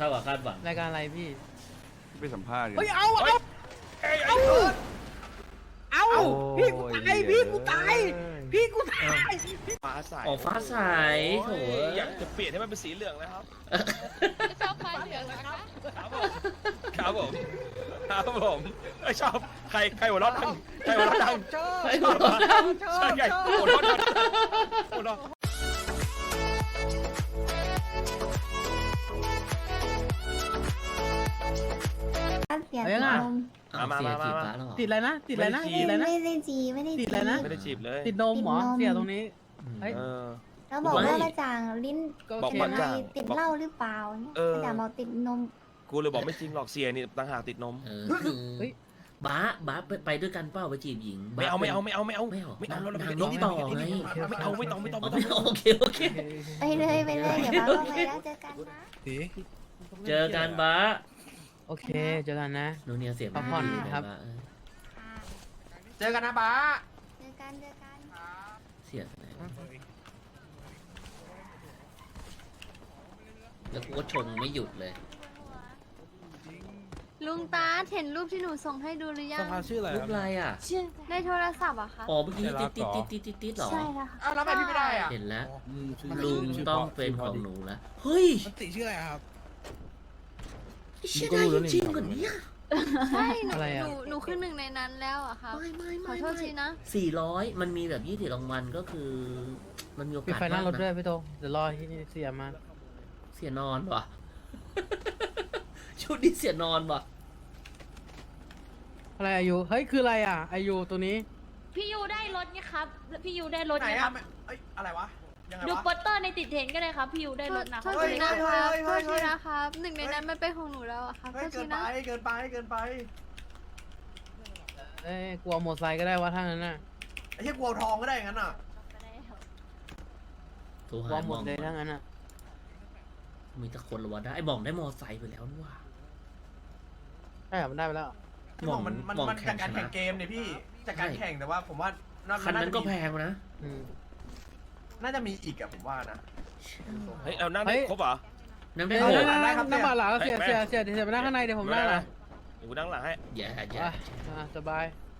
ท่ากับคาดหวังรายการอะไรพี่ไปสัมภาษณ์กันเฮ้ยเอาพี่กูตายพี่กูตายพี่กูตายฟ้าใสออกฟ้าใสโถอยากจะเปลี่ยนให้มันเป็นสีเหลืองแล้วครับชอบฟ้าเหลืองนะคะครับผมครับผมชอบใครหัวเราะดังใครหัวเราะดังไอ้หัวเราะดังใช่ไงหัวเราะดังหัวเราะเสียเอายังไงนมเอาเสียจีบฟ้าแล้วเหรอติดอะไรนะติดอะไรนะติดอะไรนะไม่ได้จีไม่ได้ติจีดอะไรนะไม่ได้จีบเลยติดนมเหรอเสียตรงนี้เฮ้ยเออแล้วบอกว่ามาจ่างลิ้นก็บโออกเคมาอะไรจ่างติดเหล้าหรือเปล่าเนี่ยเออมาจ่างบอกติดนมกูเลยบอกไม่จริงหรอกเสียนี่ต่างหากติดนมคือบ้าไปด้วยกันเปล่าไปจีบหญิงไม่เอาไม่เอาเรานางลน้บองที่ต่ต่ออไงไม่เอาไม่ต้องโอเคไปเลยไปเลยเดี๋ยวมาก็ไปแล้วเจอกันนะเจอกันบ้าโอเคเจอกันนะโนเนียเสียพักผ่อนครับเจอกันนะบ้าเจอกันเสียแล้วกูก็ชงไม่หยุดเลยลุงตาเห็นรูปที่หนูส่งให้ดูหรือยังรูปอะไรอ่ะในโทรศัพท์อะค่ะอ๋อเมื่อกี้ติดหรอใช่แล้วค่ะอ้าวแล้วทำไมพี่ไม่ได้อ่ะเห็นแล้วลุงต้องเป็นของหนูแล้วเฮ้ยมันติชื่ออะไรครับชื่ออะไรจริงกว่านี้ใช่หนูอะไรอะหนูคือหนึ่งในนั้นแล้วอะค่ะ ขอโทษทีนะ 400มันมีแบบ20รางวัลก็คือ มันมีโอปิดกาสไฟหน้ารถมากด้วยนะพี่โตเดี๋ยวรอที่เสียมาเสียนอนว่ะ ชุดนี้เสียนอนว่ะอะไรอายุเฮ้ยคืออะไรอ่ะอายุตัวนี้พี่ยูได้รถไงครับ พี่ยูได้รถไหนไงคอ่ะรับเอ้ยอะไรวะ ยังไงดูวะโปสเตอร์ในติดเทรนด์ก็ได้ครับ พี่ยูได้รถนะคโทรับษทีนะครับเฮ้ยโทเฮ้ษยทีนะครับหนึ่งในนั้นมันเป็นของหนูแล้วอะครับโทเฮ้ยษเกิทีนไปนะเกินไปเกินไปเอ้ยกลัวมอเตอร์ไซค์ก็ได้ว่าถ้างั้นน่ะไอ้เหี้ยกลัวทองก็ได้อย่างนั้นอ่ะโทรกลัหาวหหมมดองเลยถ้างั้นน่ะมีแต่คนละวะได้ไอ้หมองได้มอไซค์ไปแล้วนี่ว่ะใช่เหรอมันได้ไปแล้วที่บอกมันจากการแข่งเกมเนี่ยพี่จากการแข่งแต่ว่าผมว่าคันนั้นก็แพงนะอืมน่าจะมีอีกอะผมว่านะเฮ้ยเอานั่งได้ครบเหรอนั่งได้เอ้ยหกได้ครับน้ำบาหลาเสียแม่เสียไปนั่งข้างในเดี๋ยวผมนั่งหลังเดี๋ยวกูนั่งหลังให้อย่าสบาย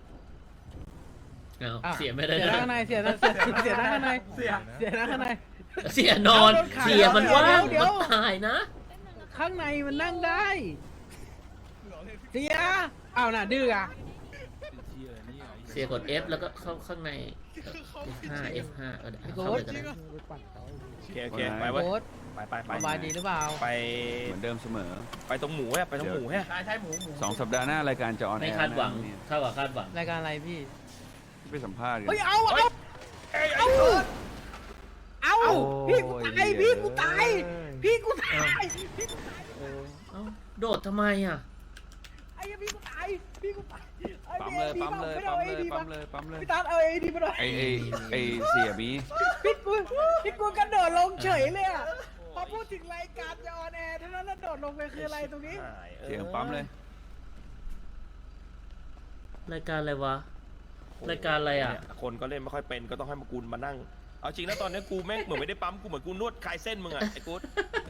เอาเสียไม่ได้เสียนั่งข้างในเสียนั่งข้างในเสียเสียนั่งข้างในเสียนอน เสียมันว่างมันตายนะข้างในมันนั่งได้เสียอ้าวน่ะดื้ออ่ะเสียกด F แล้วก็เข้าข้างใน F5 เข้าเลยกันนะโอเคไปเว้ยโค้ดไปสบายดีหรือเปล่าไปเหมือนเดิมเสมอไปตรงหมูฮะไปตรงหมูฮะใช่หมู 2 สัปดาห์หน้ารายการจะออนแอไม่ร์คาดหวังนะเท่ากับคาดหวังรายการอะไรพี่ไปสัมภาษณ์กันเฮ้ยเอาเฮ้ยพี่กูตายพี่กูตายพี่กูตายเอ้าโดดทำไมอ่ะไอ้พี่กูตายพี่กูตายปั๊มเลยปั๊มเลยปั๊มเลยปั๊มเลยปั๊มเลยพี่ตาเอาไอ้ดีมาหน่อยไอเสียบีพี่กูกระโดดลงเฉยเลยอ่ะพอพูดถึงรายการจะออนแอร์เท่านั้นแล้วโดดลงไปคืออะไรตรงนี้เสียงปั๊มเลยรายการอะไรวะ รายการอะไรอ่ะคนก็เล่นไม่ค่อยเป็นก็ต้องให้มากูมานั่ง เอาจริงนะตอนนี้กูแม่งเหมือนไม่ได้ปั๊มกูเหมือนกูนวดคลายเส้นมึงอะไอ้กู๊ด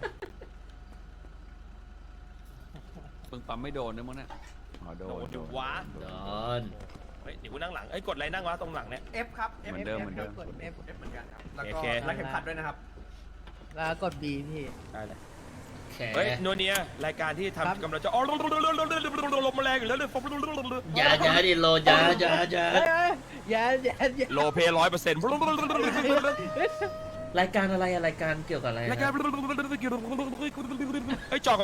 มึงปั๊มไม่โดนนะมึงน่ะอ๋อโดโดนนอยู่วะโดนเฮ้ยเดี๋ยวกูนั่งหลังเอ้ยกดอะไรนั่งวะตรงหลังเนี่ย F ครับเหมือนเดิมเหมือนเดิมกด F F เหมือนกันครับแล้วโอก็เครัดเข็มขัดด้วยนะครับแล้วกด B พี่ได้เลยแขเฮ้ยโนเนียรายการที่ครับทำกำลังจะอ๋อลมแรงอยู่แล้วเลยอย่าดิโลอย่าอย่าโลเพ100% รายการอะไรอะรายการเกี่ยวกับอะไรรายการไอ้จอก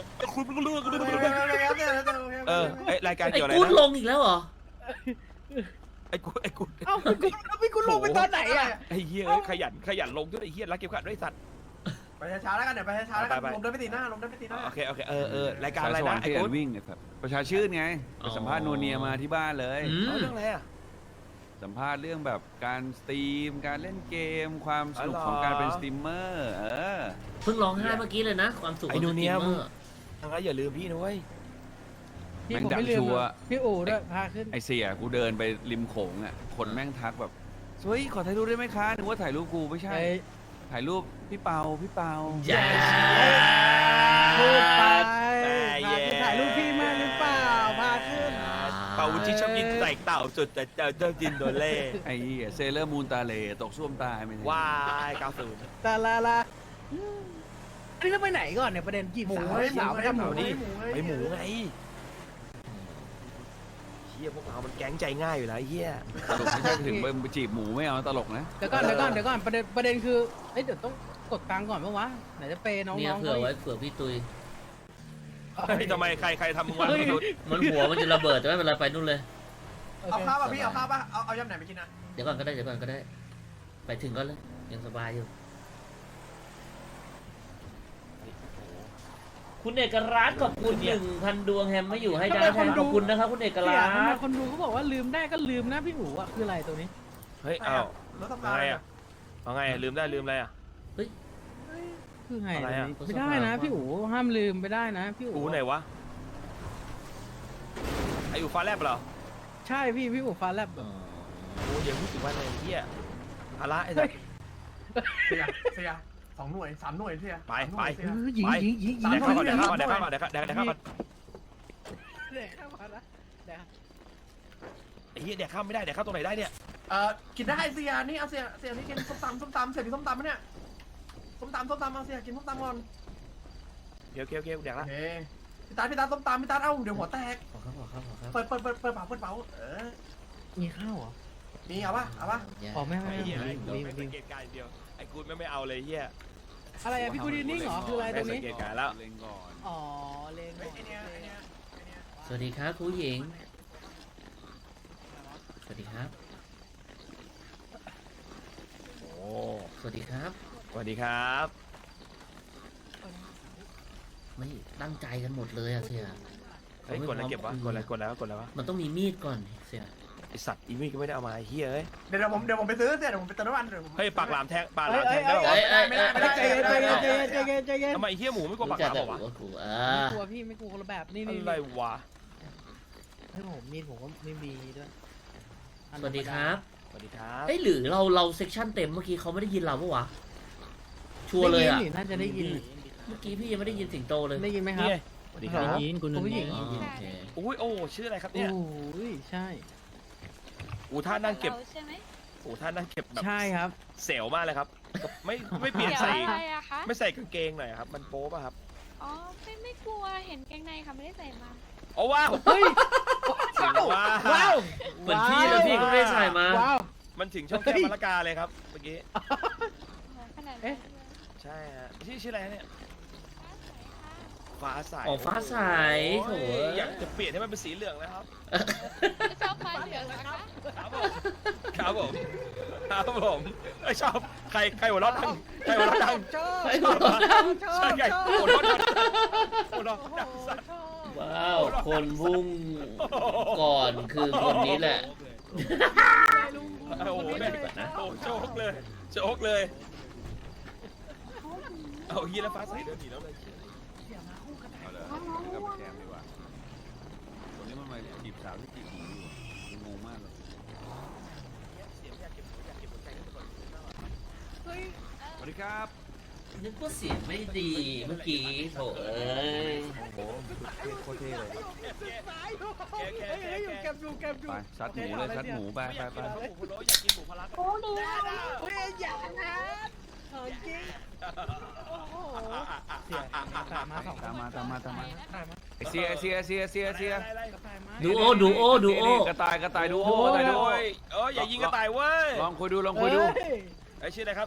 ไอ้รายการไอ้เกี่ยวอะไรกู๊ดลนะงอีกแล้วเหรอไอ้กูไอ้กูเอ้าพี่กูลงไปตอนไหนอ่ะไอ้เหี้ยขยันลงด้วยไอ้เหี้ยรักเก็บขัดด้วยสัตว์ไปช้าๆแล้วกันเดี๋ยวไปช้าๆแล้วกันไปลมเดินไปตีหน้าลมเดินไปตีหน้าโอเครายการอะไรสวนะรรค์ไอ้ที่กูวิ่งครับประชาชื่นไงไปสัมภาษณ์นูเนียมาที่บ้านเลยเรื่องอะไรอ่ะสัมภาษณ์เรื่องแบบการสตรีมการเล่นเกมความสนุกของการเป็นสตรีมเมอร์เพิ่งร้องไห้เมื่อกี้เลยนะ ความสุขของสตรีมเมอร์ทางนั้นอย่าลืมพี่นะเว้ยพี่ผมไม่ลืมพี่อู๋ด้วยพาขึ้นไอเสียกูเดินไปริมโขงอ่ะคนแม่งทักแบบเฮ้ยขอถ่ายรูปได้ไหมคะนึกว่าถ่ายรูปกูไม่ใช่ ถ่ายรูปพี่เปาอย่าพูดไปกเต่าจุดแต่เจอเจ้าจินโดเล่ไอ้เหี้ยเซเลอร์มูนตาเลตกส้วมตายไม่ได้วาย90 ตาลาลาอันนี้เราไปไหนก่อนเนี่ยประเด็นจีบสาวสาวไม่ได้หมูนี่นี่ไปหมูไงเฮียพวกเรามันแก๊งใจง่ายอยู่แล้วไอ้เฮียตลกไม่ใช่ถึงไปจีบหมูไม่เอาตลกนะเดี๋ยวก่อนประเด็นคือเอ้ยเดี๋ยวต้องกดตังค์ก่อนปะวะไหนจะเปย์น้องเนี่ยๆเผื่อไว้เผื่อพี่ตุยเฮ้ยทำไมใครทำมึงวะมนุษย์มันหัวมันจะระเบิดแต่ไม่เป็นไรไปนู่นเลยเอาข้าวป่ะพี่เอาข้าวป่ะเอายำไหนไปกินนะเดี๋ยวก่อนก็ได้เดี๋ยวก่อนก็ได้ ไปถึงก็เลยยังสบายอยู่ คุณเอกรัตน์ขอบคุณ1,000 ดวงแฮมไม่อยู่ให้ดาวแทนขอบคุณนะครับคุณเอกรัเสียตทำไมน์คนดูเขาบอกว่าลืมได้ก็ลืมนะพี่หมูอ่ะคืออะไรตัวนี้เฮ้ยอ้าวรถทำเอางานไงอ่ะเอาไงลืมได้ลืมอะไรอ่ะคือไงอะไรอะไม่ได้นะพี่อู๋ห้ามลืมไม่ได้นะพี่อูอู๋ไหนวะไออูฟ้าแลบเหรอใช่พี่อู๋ฟ้าแลบอ๋อโอ้เดี๋ยวพูดถึงว่าอะไรเฮียภาระไอ้สัสเสีย2 หน่วย 3 หน่วยเสียไปหญิงแดกข้าวก่อนแดกข้าวก่อนแดกข้าวก่อนแดกข้าวก่อนเด็กเข้ามาละเดี๋ยวไอ้เฮียแดกข้าวไม่ได้แดกข้าวตรงไหนได้เนี่ยกินได้เสียนี่เอาเสียนี่กินส้มตำเสียมีส้มตำไหมเนี่ยส้มตำเอาเสียกินส้มตำก่อนโอเคแดกโอละเคพี่ตาส้มตำพี่ตาเอ้าเดี๋ยวหัวแตกขอครับขอครับขอครับเปิดเป๋ามีข้าวเหรอมีเอาป่ะอ๋อไม่ไอ้เฮียมีไม่สังเกตการณ์เดียวไอ้กูไม่เอาเลยเฮียอะไรอะพี่กูดีนิ่งเหรอคืออะไรตรงนี้ไม่สังเกตการณ์แล้วเล็งก่อนอ๋อเลงไอ้เนี่ยสวัสดีครับครูหญิง สวัสดีครับโอ้สวัสดีครับสวัสดีครับไม่ตั้งใจกันหมดเลยอะเสียเฮ้ยกดอะไรเก็บวะกดอะไรวะมันต้องมีมีดก่อนเสียไอสัตว์อีมี่ก็ไม่ได้เอามาไอ้เฮียเอ้ยเดี๋ยวผมไปซื้อเสียเดี๋ยวผมไปเติมน้ำมันเดี๋ยวผมเฮ้ยปากหลามแทงปากหลามแทงได้หรอใจเย็นทำไมเฮียหมูไม่กลัวปากหลามหรอวะรู้จักแต่หัวครูไม่กลัวพี่ไม่กลัวคนละแบบนี่อะไรวะให้ผมมีดผมก็ไม่มีด้วยสวัสดีครับสวัสดีครับเอ้ยหรือเราเซกชันเต็มเมื่อกี้เขาไม่ได้ยินเราปะวะ ชัวร์เลยอะน่าจะได้ยินเมื่อกี้พี่ยังไม่ได้ยินสิงโตเลยได้ยินไหมครับนี่สวัสดีครับยินคุณผู้หญิงอ๋อโอเคอุ้ยโอ้ชื่ออะไรครับเนี่ยโอ้ยใช่อูท่านั่งเก็บใช่ไหมอูท่านั่งเก็บแบบใช่ครับเซลมากเลยครับไม่เปลี่ยนเดี๋ยวใส่อะไรอะคะไม่ใส่กางเกงหน่อยครับมันโป๊ป่ะครับอ๋อไม่กลัวเห็นกางในค่ะไม่ได้ใส่มาโอ้ว้าวเฮ้ยว้าวเหมือนพี่เลยพี่ก็ไม่ได้ใส่มาว้าวมันถึงช่องแก้มมะละกาเลยครับเมื่อกี้โอ้โหขนาดนั้นเลยใช่ฮะชื่ออะไรเนี่ยฟ้าใสอ๋อฟ้าใสโถโอ้ยอยากจะเปลี่ยนให้มันเป็นสีเหลืองแล้วครับชอบฟ้าเหลืองเหรอคะครับผมไอยชอบใครหัวเราะดังใครหัวเราะดังชอบไอ้หัวเราะดังใช่ไงหัวเราะดังหัวเราะดังสัตว์ว้าว คนพุ่งก่อนคือคนนี้แหละโอ้โหเนี่ยโอ้โชคเลยเอาเฮียแล้วฟ้าใสเดินหนีแล้วเลยเอาเลยกับแกมดีกว่าคนนี้มันมาจีบสาวที่จีบหมูอยู่งงมากเลย สวัสดีครับนึกว่าเสียงไม่ดีเมื่อกี้โถเอ้ยโอ้โหโคตรเท่เลยอยู่เก็บอยู่ไปซัดหมูเลยซัดหมูไปไม่อยากกินหมูพะโล้อยากกินหมูพะลักโอ้ดีเฮ้ยอย่านะของจริงโอ้โหเสียตามมาสองตามมาตามมาไอเสียดูโอกระต่ายดูโอ้กระต่ายดูโอ้ยอย่ายิงกระต่ายเว้ยลองคุยดูไอชื่ออะไรครับ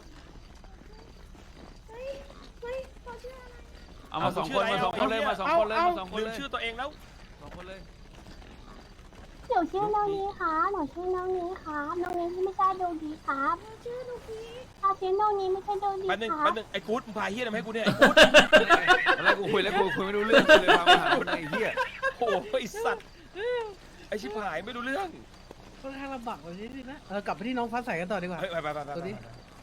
เอามาสองคนเลยลืมชื่อตัวเองแล้ว 2 คนเลยหนูชื่อน้องนี้ครับหนูชื่อน้องนี้ครับน้องนี้ที่ไม่ใช่โดดีครับชื่อโดดีชื่อน้องนี้ไม่ใช่โดดีแป๊บนึงครับไอ้กู๊ดมึงพาเฮียทำให้กูเนี่ยไอ้กู๊ดอะไรกูคุยแล้วกูคุยไม่รู้เรื่องเลยพามาหาคนไอ้เหี้ยโอ้ไอสัตว์ไอชิบหายไม่รู้เรื่องค่อนข้างลำบากเลยนิดนะกลับไปที่น้องฟ้าใสกันต่อดีกว่าเฮ้ยไปตัวนี้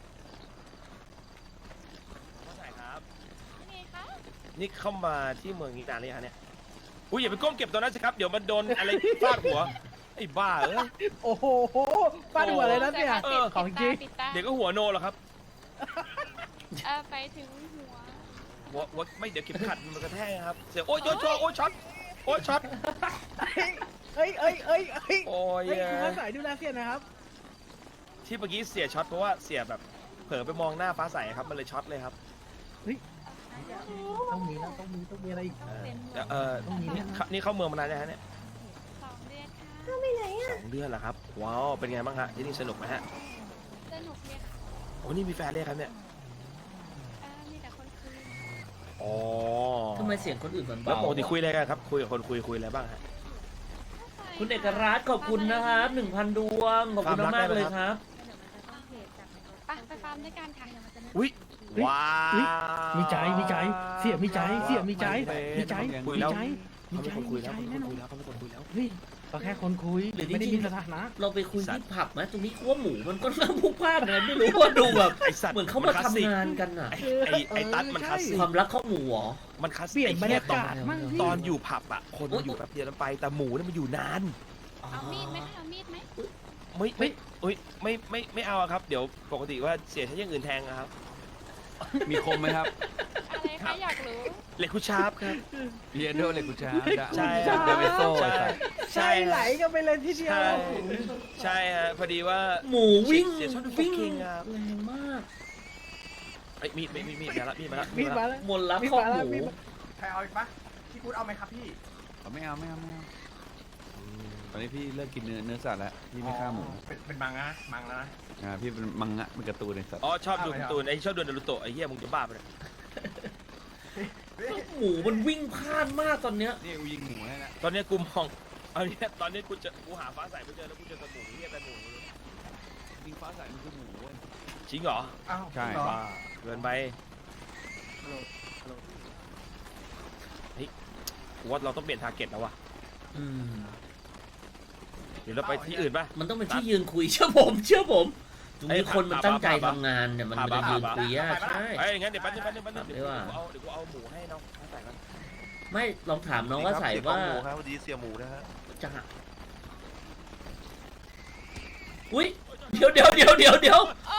ครับนี่คะนี่เข้ามาที่เมืองนี้นานหรือยังเนี่ยอุ้ยอย่าไปก้มเก็บตัวนั้นสิครับเดี๋ยวมันโดนอะไรฟาดหัวไอ้บ้าเอ้ยโอ้โหฟาดหัวเลยนะเนี่ยเออของจริงปิดตาเดี๋ยวก็หัวโนหรอกครับไปถึงหัวไม่เดี๋ยวเข็มขัดมันกระแทกครับเสียโอ้ยช็อตเอ้ยเอ้ยเอ้ยเอ้ยโอ้ยเฮ้ยคุณฟ้าใสดูแลเสียนะครับที่เมื่อกี้เสียช็อตเพราะว่าเสียแบบเผลอไปมองหน้าฟ้าใสครับมันเลยช็อตเลยครับต้องมีแล้วต้องมีอะไรอีกนี่เข้าเมืองมานานยังฮะเนี่ย 2 เดือนค่ะ 2 เดือนเหรอครับว้าวเป็นไงบ้างฮะที่นี่สนุกไหมฮะสนุกเลยค่ะโอ้นี่มีแฟนเลยครับเนี่ยมีแต่คนคุยอ๋อทำไมเสียงคนอื่นมันแล้วเบาปกติคุยอะไรกันครับคุยกับคนคุยอะไรบ้างฮะคุณเอกรัตน์ขอบคุณนะครับ1,000 ดวง ขอบคุณมากๆเลยครับไปฟาร์มด้วยกันค่ะอุ้ยว้าวมีใจเสียมีใจมีใจคุยแล้วมีเขาใจเป็นคนคุยแล้วแน่นอนเขาเป็นคนคุยแล้วเฮ้ยก็แค่คนคุยหรือไม่ได้จริมีงๆสถานะเราไปคุยที่ผับไหมตรงนี้ว่าหมูมันก็น่าพลุกพล่านนะไม่รู้ว่าดูแบบไอสัตว์เหมือนเขามาทำงานกันอ่ะไอตัดมันคลาสสิกความรักข้าวหมูเหรอมันคลาสเปลี่ยนบรรยากาศไอ้เหี้ยมั่งพี่ตอนอยู่ผับอ่ะคนมันอยู่แบบเดียวกันไปแต่หมูเนี่ยมันอยู่นานเอามีดไหมคะเอามีดไหมไม่เอาอะครับ เดี๋ยวปกติว่าเสียใช้อย่างอื่นแทงอะครับมีคมไหมครับอะไรคะอยากรู้เหล็กคูชาร์ปครับเรียนด้วยเลยกูช้าใช่เดวิโซ่ใช่ใช่ไหลกันไปเลยทีเดียวใช่ใช่ฮะพอดีว่าหมูวิ่งเสียชอบดูวิ่ง Fox King อะแรงมากไอ้ยมีดมาละมีดมาแล้วมนต์รักมีดข้าวมาหแล้วมูมีดมาใครเอาอีกปะพี่กูดเอาไหมครับพี่ไม่เอาตอนนี้พี่เลิกกินเนื้อสัตว์แล้วพี่ไม่ฆ่าหมูเป็นมังนะมังแล้วนะพี่เป็นมังงะเป็นการ์ตูนในสัตว์อ๋อชอบดูการ์ตูนไอ้ชอบดูนารูโตะไอ้เหี้ยมึงจะบ้าไปเลยหมูมันวิ่งพลาดมากตอนเนี้ยนี่กูยิงหมูให้นะตอนเนี้ยกูมองเอาเนี่ยตอนนี้กูหาฟ้าใสไม่เจอแล้วกูเจอแต่หมูเหี้ยแต่หมูยิงฟ้าใสมันคือหมูเว้ยจริงเหรออ้าวใช่เหรอบ้าเกินไปเฮ้ยกูว่าเราต้องเปลี่ยนทาร์เก็ตแล้วว่ะอืมเดี๋ยวเราไปที่อื่นป่ะมันต้องเป็นที่ยืนคุยเชื่อผมตรงนี้คนมันตั้งใจทำงานเนี่ยมันจะยืนคุยยากใช่ไอ้ยงั้นเดี๋ยวแป๊บนึงเดี๋ยวว่ากูเอาหมูให้น้องฟ้าใสกันไม่ลองถามน้องว่าใส่ว่าหมูครับพอดีเสียหมูนะฮะจะอุ้ยเดี๋ยวเสียเดี๋ยวใจเย็น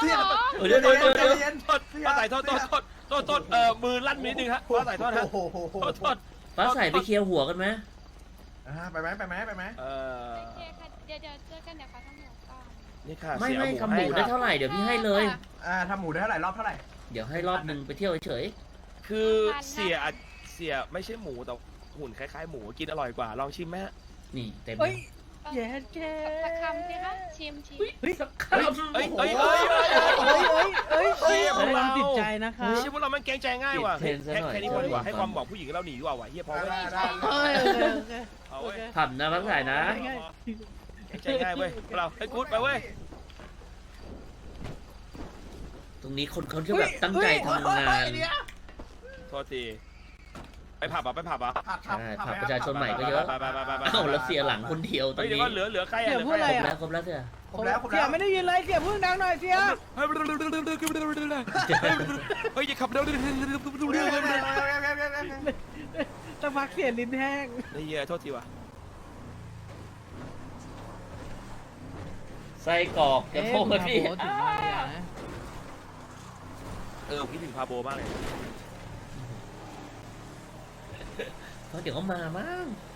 ฟ้าใสโทษมือลั่นนิดนึงฮะฟ้าใสโทษฮะโอ้โหโทษฟ้าใส่ไปเคลียร์หัวกันไหมไปไหมโอเคค่ะ เดี๋ยวเจอกันเดี๋ยวฟ้าทำหมูก่อนนี่ค่ะไม่เสียทำหมูได้เท่าไหร่เดี๋ยวพี่ให้เลยทำหมูได้เท่าไหร่รอบเท่าไหร่เดี๋ยวให้รอบหนึ่งไปเที่ยวเฉยคือเสียไม่ใช่หมูแต่หุ่นคล้ายๆหมูกินอร่อยกว่าลองชิมไหมฮะๆนี่เต็มเฮ้ยแย่แค่สักคำสิคะชิมเฮ้ยสักคเอ้ยำเอ้ยเฮ้ยแสดงติดใจนะคะเชื่อพวกเรามันเกรงใจง่ายว่ะเทรนซะหน่อยแค่นี้พอดีกว่าให้ความบอกผู้หญิงเราหนีดีกว่าว่ะเฮียพอเว้ย เอาเว้ยผับนะฟ้าใส่นะเกรงใจง่ายเว้ยพวกเราให้กู๊ดไปเว้ยตรงนี้คนเขาจะแบบตั้งใจทำงานโทษทีไปผับอ่ะใช่ผับประชาชนใหม่ก็เยอะไปเอ้าแล้วเสียหลังคนเดียวตรเฮ้ยงเดี๋ยวนี้ก็เหลือใครอ่ะเดี๋ยวพูดอะไรครบแล้วเสียครบแล้วเสียไม่ได้ยินเลยเสียพึ่งดังหน่อยเสียเฮ้ยอย่าขับเร็วสักพักเสียลิ้นแห้งไอ้เหี้ยโทษทีว่ะไส้กรอกจะโทษพี่คิดถึงพาโบมากเลยเพราะเดี๋ยวก็มามั้ง